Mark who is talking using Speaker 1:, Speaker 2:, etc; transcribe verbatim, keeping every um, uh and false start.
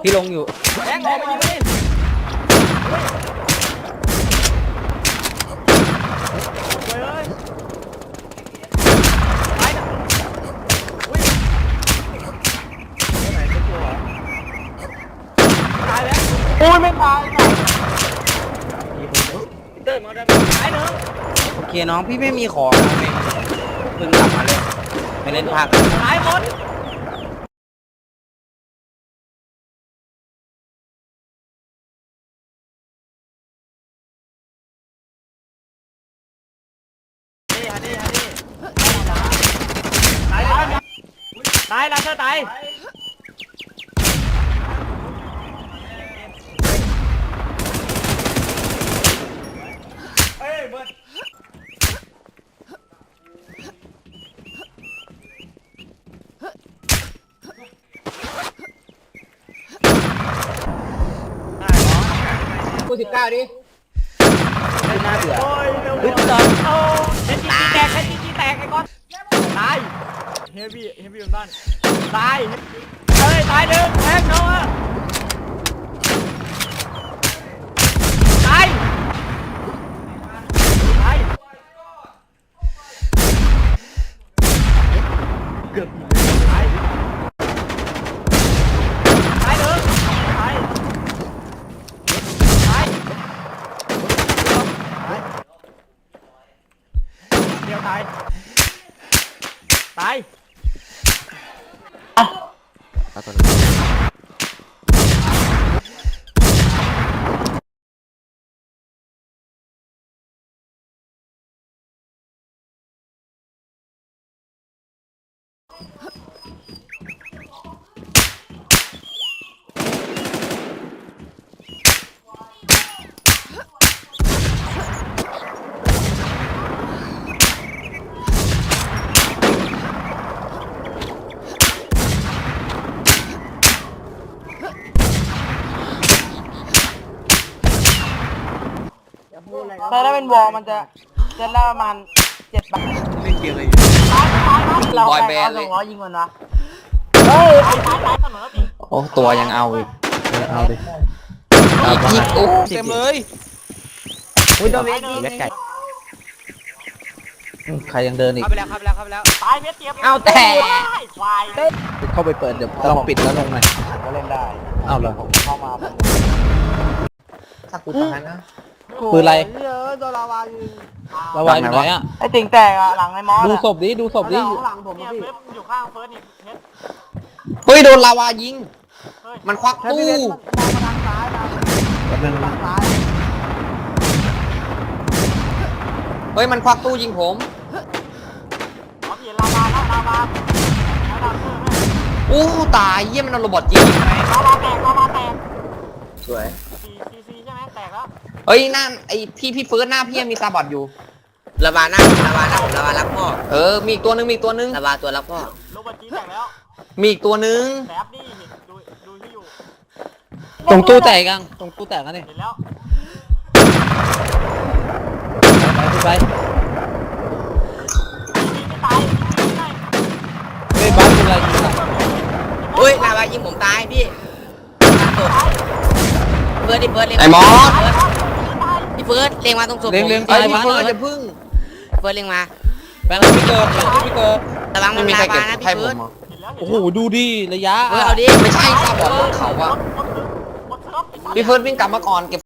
Speaker 1: ที่ลงอยู่
Speaker 2: แบงค์ออกมายิงเลยตายนะอุ้ยไหนเป็นตัวเหรอตายแล้วโอ้ยไม่ตายเดินมาได้ตายเนอะ
Speaker 1: โอเคน้องพี่ไม่มีของไม่เพิ่งกลับมาเลยไม่เล่นภาค
Speaker 2: ตายหมดตายแล้วเธอตายเอ้ยเบิร์ด
Speaker 1: กูสิบเก้าดิไม่น่าเบื่อ
Speaker 2: พึ่งตอนโอ้เฮนจีจีแตกเฮนจีจีแตกไอ้ก้อนตายเฮฟวี่เฮฟวี่บนบ้านตายเฮ้ยตายหนึ่งแทงเนาะตายตายเกือบตายตายหนึ่งตายตายเดียวตายตาย
Speaker 1: เอาตัวนี้
Speaker 3: แต่ถ้าเป็นวอลมันจะจะได้ประมาณเจ็ดบาท
Speaker 1: เล่นเกมอะไรอยู่
Speaker 3: เรา
Speaker 1: บอยแบนด์
Speaker 3: ส
Speaker 1: เล
Speaker 3: อย งร้อยยิงมันวะเฮ้ยตายตายเสมอปี
Speaker 1: โอ้ตัวยังเอาอีกเอาดิยิงโอ้เต็มเลยอุ้ยโดนเวทเวทไก่ใครยังเดินอีก
Speaker 2: เข้าไปแล้วเข้าไปแล้วเข้าไปแล้วตายเม็ดเตียบ
Speaker 1: เอาแต่
Speaker 3: ควาย
Speaker 1: เข้าไปเปิดเดี๋ยวลองปิดแล้วลงหน่อย
Speaker 3: ก็เล่นได้
Speaker 1: เอาเลย
Speaker 3: เข้ามา
Speaker 1: ถ้ากูตายนะปืนอะไร
Speaker 3: เยอะโดนลาวายิง
Speaker 1: ระวังอยู่ไหนอ่ะ
Speaker 3: ไอ้ติ่งแตกอะหลังไอ้มอส
Speaker 1: ดูศพดิดูศพดิ
Speaker 3: หลังผม
Speaker 2: เนี่ย
Speaker 3: พี่
Speaker 2: เม็ดอยู่ข้างเฟิร์สนี่เม็ด
Speaker 1: เฮ้ยโดนลาวายิง
Speaker 2: เฮ้ย
Speaker 1: มันควัก
Speaker 3: แค่
Speaker 1: ตู้
Speaker 3: พี่เล่นมองมาทางซ้ายมาทางซ้าย
Speaker 1: เฮ้ยมันควักตู้ยิงผม
Speaker 2: เอาเปลี่ยนลาวาแล้วลาวาแล้วดาวเซอร์ไหม
Speaker 1: โอ้ตายเยี่ยมันเอาโรบอทยิงไหม
Speaker 2: ลาวาแตกลาวาแตก
Speaker 1: สวย
Speaker 2: ซีซีซีใช่ไหมแตกแล้ว
Speaker 1: เฮ้ยหน้าไอพี่พี่เฟิร์สหน้าพี่ยังมีซาบอทอยู่
Speaker 4: ระบาหน้าระบาหน้าผมระบารับพ่อ
Speaker 1: เออมีอีกตัวนึงมีอีกตัวนึง
Speaker 4: ระบาตัวรับพ่อ
Speaker 2: โรบันจีแตกแล้ว
Speaker 1: มีอีกตัวนึง
Speaker 2: แสบนี่เห็นดูดูที่อยู่
Speaker 1: ตรงตู้แตกยังตรงตู้แตกกันนี่
Speaker 2: เห็นแล้ว
Speaker 1: ไปไป
Speaker 2: ไม่ตายไม่ได้
Speaker 1: เฮ้ยบ้านเป็นไรยิงอ่ะ
Speaker 4: อุ้ยระบายิงผมตายพี่เฟิร์สดิเฟิร์สเล็ง
Speaker 1: ไอ้มอส
Speaker 4: พี่เฟิร์สเล็งมาตรงศพ
Speaker 1: เลี้ยงเลี้ยง
Speaker 4: ไอ้
Speaker 1: ตาย
Speaker 4: พี่
Speaker 1: บ้าน
Speaker 4: เฟิร์ส
Speaker 1: จะพึ่ง
Speaker 4: เฟิร์สเล็งมา
Speaker 1: แบงค์ไม่เกินไม่เกิน
Speaker 4: ระวังมันลาวานะพี่เฟิร์ส
Speaker 2: เห็นแล้ว
Speaker 1: โอ้โหดูดิระยะ
Speaker 4: เฟิร์สเอาดิ
Speaker 1: ไม่ใช่ซาบอทบนเขาอ่ะ
Speaker 2: หมดเซิร์ฟหมดเซิร์ฟ
Speaker 1: พี่เฟิร์สวิ่งกลับมาก่อนเก็บ